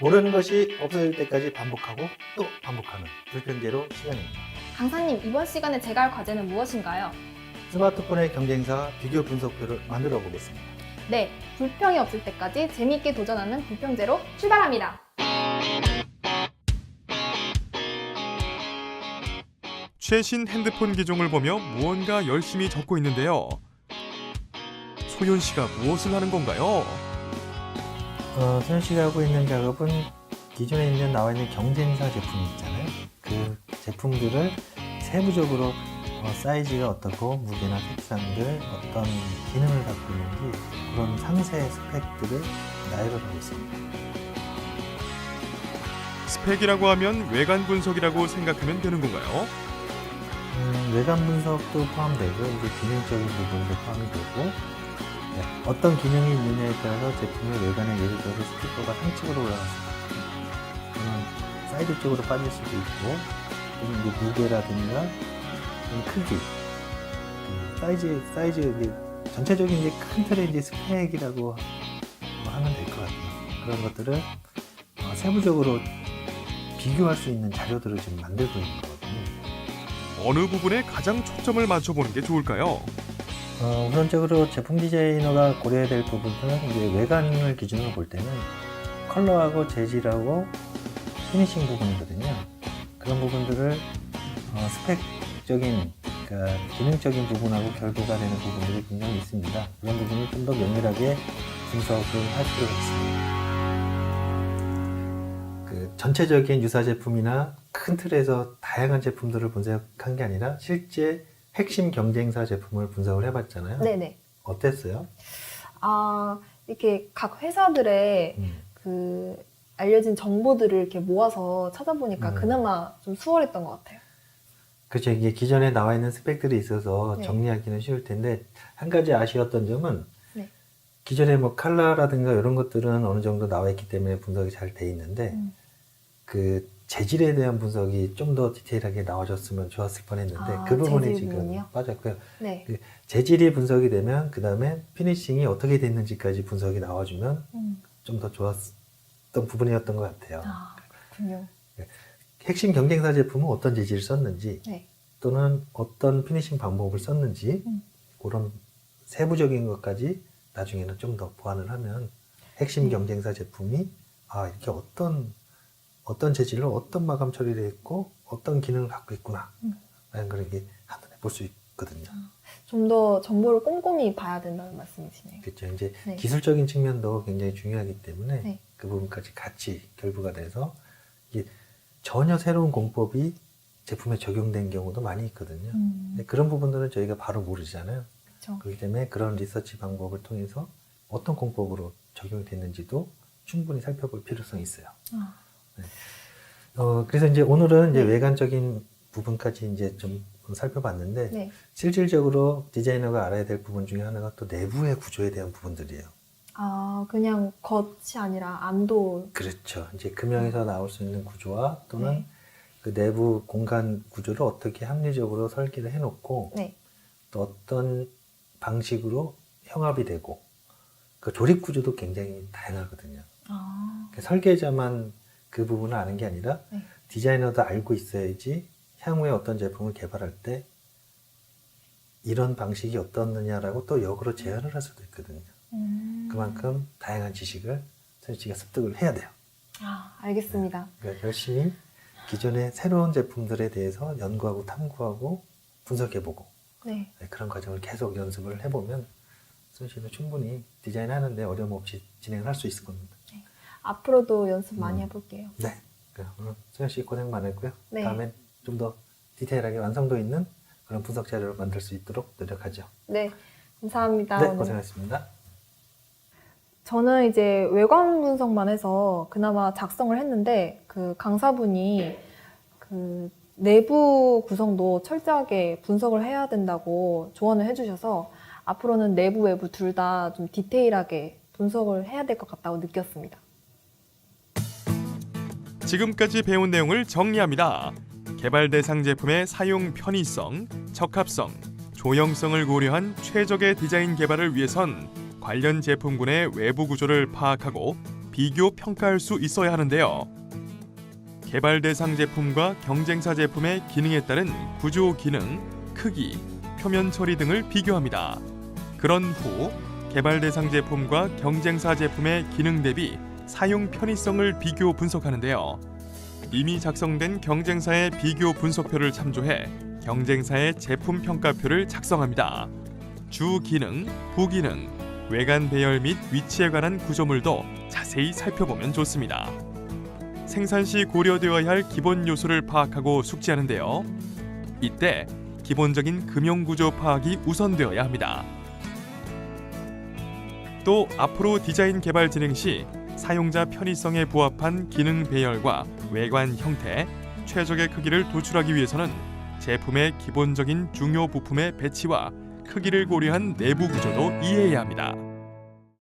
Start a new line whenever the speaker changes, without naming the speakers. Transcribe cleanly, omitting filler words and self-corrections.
모르는 것이 없어질 때까지 반복하고 또 반복하는 불평제로 시간입니다.
강사님, 이번 시간에 제가 할 과제는 무엇인가요?
스마트폰의 경쟁사 비교 분석표를 만들어 보겠습니다.
네, 불평이 없을 때까지 재미있게 도전하는 불평제로 출발합니다.
최신 핸드폰 기종을 보며 무언가 열심히 적고 있는데요. 소연 씨가 무엇을 하는 건가요?
소연 씨가 하고 있는 작업은 기존에 나와 있는 경쟁사 제품이 있잖아요. 그 제품들을 세부적으로 사이즈가 어떻고 무게나 색상들 어떤 기능을 갖고 있는지 그런 상세 스펙들을 나열을 하고 있습니다.
스펙이라고 하면 외관 분석이라고 생각하면 되는 건가요?
외관 분석도 포함되고 이제 기능적인 부분도 포함이 되고 어떤 기능이 있느냐에 따라서 제품의 외관에 예를 들어서 스티커가 상층으로 올라갔을 때 또는 사이드 쪽으로 빠질 수도 있고 또는 이제 무게라든가 크기, 사이즈 이제 전체적인 이제 큰 틀의 이제 스펙이라고 하면 될 것 같아요. 그런 것들을 세부적으로 비교할 수 있는 자료들을 지금 만들고 있는 거거든요.
어느 부분에 가장 초점을 맞춰보는 게 좋을까요?
우선적으로 제품 디자이너가 고려해야 될 부분은 이제 외관을 기준으로 볼 때는 컬러하고 재질하고 피니싱 부분이거든요. 그런 부분들을 스펙적인, 그러니까 기능적인 부분하고 결부가 되는 부분들이 분명히 있습니다. 그런 부분을 좀 더 면밀하게 분석을 할 필요가 있습니다. 그 전체적인 유사 제품이나 큰 틀에서 다양한 제품들을 분석한 게 아니라 실제 핵심 경쟁사 제품을 분석을 해봤잖아요.
네네.
어땠어요?
이렇게 각 회사들의 그 알려진 정보들을 이렇게 모아서 찾아보니까 그나마 좀 수월했던 것 같아요.
그렇죠. 이게 기존에 나와 있는 스펙들이 있어서
네.
정리하기는 쉬울 텐데 한 가지 아쉬웠던 점은
네.
기존에 뭐 컬러라든가 이런 것들은 어느 정도 나와 있기 때문에 분석이 잘 돼 있는데 그 재질에 대한 분석이 좀 더 디테일하게 나와줬으면 좋았을 뻔했는데 그 부분이
재질
지금
부분이요?
빠졌고요.
네.
그 재질이 분석이 되면 그 다음에 피니싱이 어떻게 됐는지까지 분석이 나와주면 좀 더 좋았던 부분이었던 것 같아요.
그렇군요.
핵심 경쟁사 제품은 어떤 재질을 썼는지
네.
또는 어떤 피니싱 방법을 썼는지 그런 세부적인 것까지 나중에는 좀 더 보완을 하면 핵심 경쟁사 제품이 이렇게 어떤 재질로 어떤 마감 처리를 했고 어떤 기능을 갖고 있구나 라는 걸 이게 한눈에 볼 수 있거든요.
좀 더 정보를 꼼꼼히 봐야 된다는 말씀이시네요.
그렇죠. 이제
네.
기술적인 측면도 굉장히 중요하기 때문에
네.
그 부분까지 같이 결부가 돼서 이게 전혀 새로운 공법이 제품에 적용된 경우도 많이 있거든요. 근데 그런 부분들은 저희가 바로 모르잖아요.
그렇죠.
그렇기 때문에 그런 리서치 방법을 통해서 어떤 공법으로 적용이 됐는지도 충분히 살펴볼 필요성이 있어요. 네. 그래서 이제 오늘은 이제 외관적인 부분까지 이제 좀 살펴봤는데
네.
실질적으로 디자이너가 알아야 될 부분 중에 하나가 또 내부의 구조에 대한 부분들이에요.
그냥 겉이 아니라 안도.
그렇죠. 이제 금형에서 나올 수 있는 구조와 또는 그 내부 공간 구조를 어떻게 합리적으로 설계를 해놓고
네.
또 어떤 방식으로 형합이 되고 그 조립 구조도 굉장히 다양하거든요. 그러니까 설계자만 그 부분을 아는 게 아니라 디자이너도 알고 있어야지 향후에 어떤 제품을 개발할 때 이런 방식이 어떻느냐라고 또 역으로 제안을 할 수도 있거든요. 그만큼 다양한 지식을 소연 씨가 습득을 해야 돼요.
알겠습니다.
그러니까 열심히 기존의 새로운 제품들에 대해서 연구하고 탐구하고 분석해보고
네.
그런 과정을 계속 연습을 해보면 소연 씨는 충분히 디자인하는데 어려움 없이 진행을 할 수 있을 겁니다.
앞으로도 연습 많이 해볼게요.
네. 오늘 소연 씨 고생 많았고요.
네.
다음엔 좀 더 디테일하게 완성도 있는 그런 분석 자료를 만들 수 있도록 노력하죠.
네. 감사합니다.
네,
오늘.
고생하셨습니다.
저는 이제 외관 분석만 해서 그나마 작성을 했는데 그 강사분이 그 내부 구성도 철저하게 분석을 해야 된다고 조언을 해주셔서 앞으로는 내부 외부 둘 다 좀 디테일하게 분석을 해야 될 것 같다고 느꼈습니다.
지금까지 배운 내용을 정리합니다. 개발 대상 제품의 사용 편의성, 적합성, 조형성을 고려한 최적의 디자인 개발을 위해선 관련 제품군의 외부 구조를 파악하고 비교 평가할 수 있어야 하는데요. 개발 대상 제품과 경쟁사 제품의 기능에 따른 구조 기능, 크기, 표면 처리 등을 비교합니다. 그런 후 개발 대상 제품과 경쟁사 제품의 기능 대비 사용 편의성을 비교 분석하는데요. 이미 작성된 경쟁사의 비교 분석표를 참조해 경쟁사의 제품 평가표를 작성합니다. 주 기능, 부기능, 외관 배열 및 위치에 관한 구조물도 자세히 살펴보면 좋습니다. 생산 시 고려되어야 할 기본 요소를 파악하고 숙지하는데요. 이때 기본적인 금형 구조 파악이 우선되어야 합니다. 또 앞으로 디자인 개발 진행 시 사용자 편의성에 부합한 기능 배열과 외관 형태, 최적의 크기를 도출하기 위해서는 제품의 기본적인 중요 부품의 배치와 크기를 고려한 내부 구조도 이해해야 합니다.